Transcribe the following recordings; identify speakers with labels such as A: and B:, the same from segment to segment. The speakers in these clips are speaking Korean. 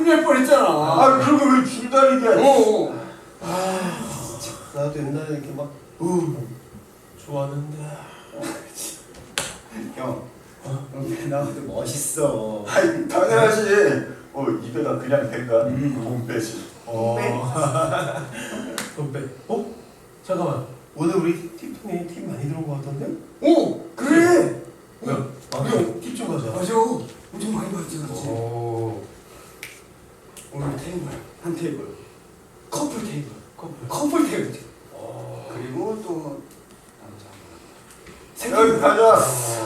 A: 날 뻔했잖아.
B: 아 그러고 왜 줄다리기야?
C: 나도 옛날에 이렇게 막 좋아하는데.
A: 형, 나도 멋있어.
B: 아이 당연하지. 입에다 그냥 댄다. 돈 빼지.
C: 돈 빼. 잠깐만. 오늘 우리 팁통에 팁 많이 들어온 것 같던데?
A: 오, 그래.
C: 뭐야? 팁 좀 가자.
A: 맞아. 엄청 많이 받지, 그렇지. 오늘 테이블, 한 테이블. 커플 테이블. 커플 테이블. 그리고 또 남자.
B: 여기 가자.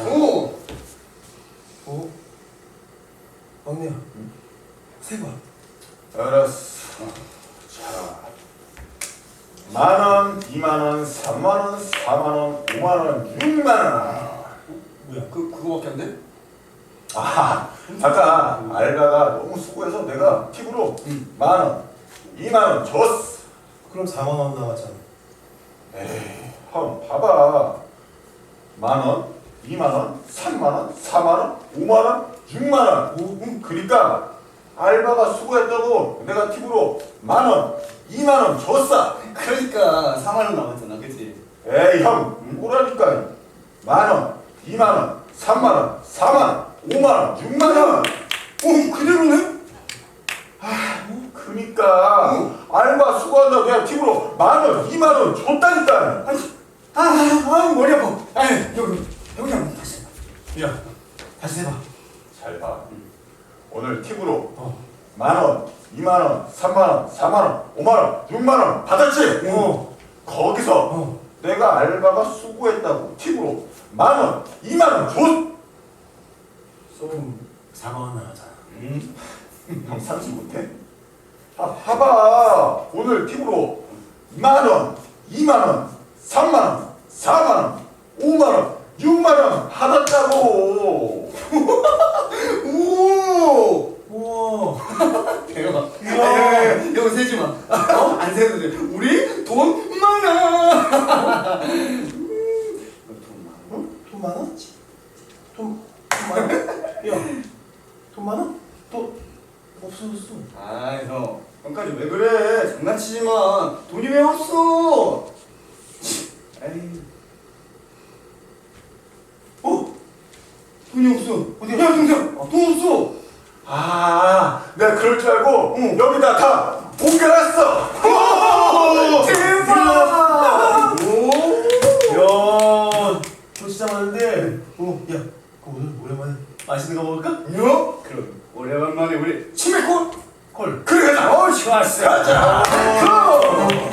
C: 막내야. 세봐.
B: 알았어. 자, 10,000원, 20,000원, 30,000원, 40,000원, 50,000원, 60,000원.
A: 뭐야? 그거밖에 안 돼?
B: 아까 알바가 너무 수고해서 내가 팁으로 10,000원, 20,000원 줬어.
C: 그럼 4만 원 나왔잖아.
B: 에이, 형 봐봐. 10,000원, 20,000원, 30,000원, 40,000원, 50,000원, 60,000원. 그러니까 알바가 수고했다고 내가 팁으로 10,000원, 20,000원 줬어.
A: 그러니까 4만 원 남았잖아, 그치?
B: 에이 형, 뭐라니까. 10,000원, 20,000원, 30,000원, 40,000원, 50,000원, 60,000원.
A: 그대로네?
B: 그니까 알바 수고한다고 내가 팁으로 10,000원, 20,000원 줬다니까.
A: 머리 아파. 여기 한번 다시 해봐.
C: 야, 다시 해봐.
B: 잘 봐. 오늘 팁으로 10,000원, 20,000원, 30,000원, 40,000원, 50,000원, 60,000원 받았지? 거기서 내가 알바가 수고했다고 팁으로 10,000원, 20,000원 줬.
C: 좀 4만 원 나가잖아.
B: 형 상식 못해? 봐봐. 오늘 팁으로 10,000원, 20,000원, 30,000원, 40,000원, 50,000원, 60,000원 받았다고.
C: 우와.
A: 대박. 이거 세지 마. 안 세도 돼. 우리 돈 많아.
C: 돈 많아? 돈 많아? 야, 돈 많아? 돈 없어졌어.
A: 형까지 왜 그래? 장난치지마. 돈이 왜 없어? 에이. 돈이 없어.
C: 어디야?
A: 야, 동생, 돈 없어.
B: 내가 그럴 줄 알고 여기다 다 옮겨놨어.
A: 대박.
C: 야, 돈 진짜 많은데. 야, 오늘 오랜만에 맛있는 거 먹을까?
A: 그럼 오래간만에 우리 치맥 콜.
C: 콜.
B: 그래 가자.
A: 좋았어.
B: 가자.